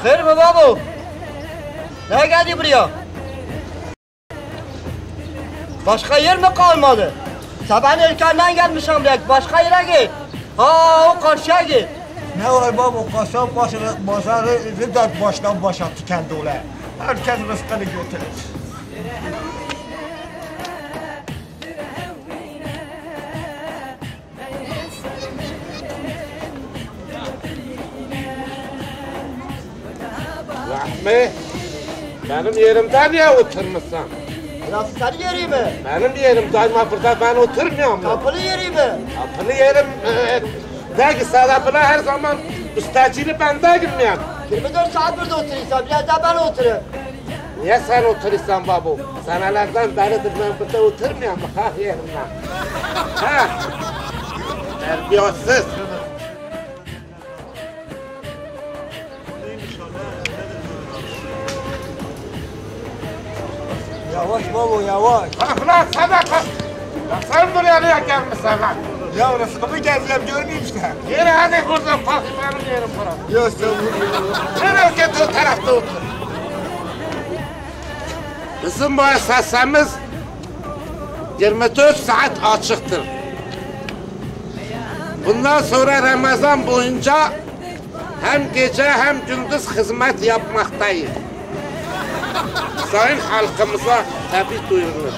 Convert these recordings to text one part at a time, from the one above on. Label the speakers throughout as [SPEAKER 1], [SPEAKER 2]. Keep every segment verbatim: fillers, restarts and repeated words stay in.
[SPEAKER 1] Hayır mı babu? Ne geldi buraya? Başka yer mi kalmadı? Sabahın erkenden gelmişim buraya. Başka yere git. Ha o karşıya git.
[SPEAKER 2] Ne var baba, kasap başını, bazarı dört baştan başa tükendi ola. Herkes rızkını götürür.
[SPEAKER 3] Rahmi, benim yerimde niye oturmuşsun?
[SPEAKER 1] Burası senin yeri mi?
[SPEAKER 3] Benim yerim daima burada, ben oturmuyorum.
[SPEAKER 1] Kapılı yeri mi?
[SPEAKER 3] Kapılı yerim, e, de ki sadakına her zaman müstacili ben değilim yani.
[SPEAKER 1] yirmi dört saat burada oturuyorsan biraz daha ben oturayım.
[SPEAKER 3] Niye sen oturuyorsun babu? Senelerden beridir ben burada oturmuyorum ha yerimden. Ha? Terbiyesiz.
[SPEAKER 2] Yavaş baba, yavaş.
[SPEAKER 3] Bak lan sadaka. Ya sen buraya niye gelmişsin lan?
[SPEAKER 2] Ya rızkımı gezeceğim, görmeyeyim işte.
[SPEAKER 3] Yürü hadi buradan kalk, benim yerim burası.
[SPEAKER 2] Ya sen bunu...
[SPEAKER 3] Nereye git o tarafta otur. Bizim müessesemiz yirmi dört saat açıktır. Bundan sonra Ramazan boyunca hem gece hem gündüz hizmet yapmaktayız. Sayın halkımıza tabi duyurulur.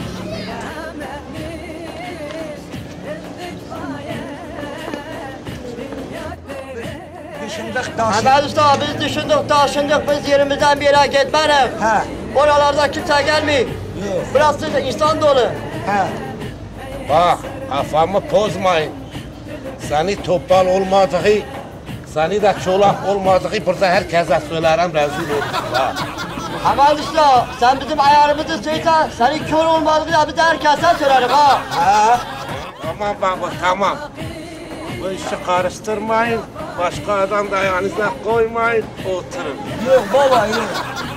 [SPEAKER 2] Düşündük taşı.
[SPEAKER 1] Hemen usta biz düşündük taşındık biz yerimizden bir yere gitmedik.
[SPEAKER 2] He.
[SPEAKER 1] Oralarda kimse gelmiyor.
[SPEAKER 2] Yok.
[SPEAKER 1] Burası da insan dolu.
[SPEAKER 2] He.
[SPEAKER 3] Bak kafamı bozmayın. Seni topal olmadığı, seni de çolak olmadığı burada herkese söylerim rezil olsun. Ha.
[SPEAKER 1] Hemen usta sen bizim ayarımızı söyle senin kör olmadığını da biz herkese söylerim ha.
[SPEAKER 2] He.
[SPEAKER 3] Tamam baba tamam. Bu işi karıştırmayın. Başka adam da ayağınıza koymayın. Oturun.
[SPEAKER 2] Yok baba, yok.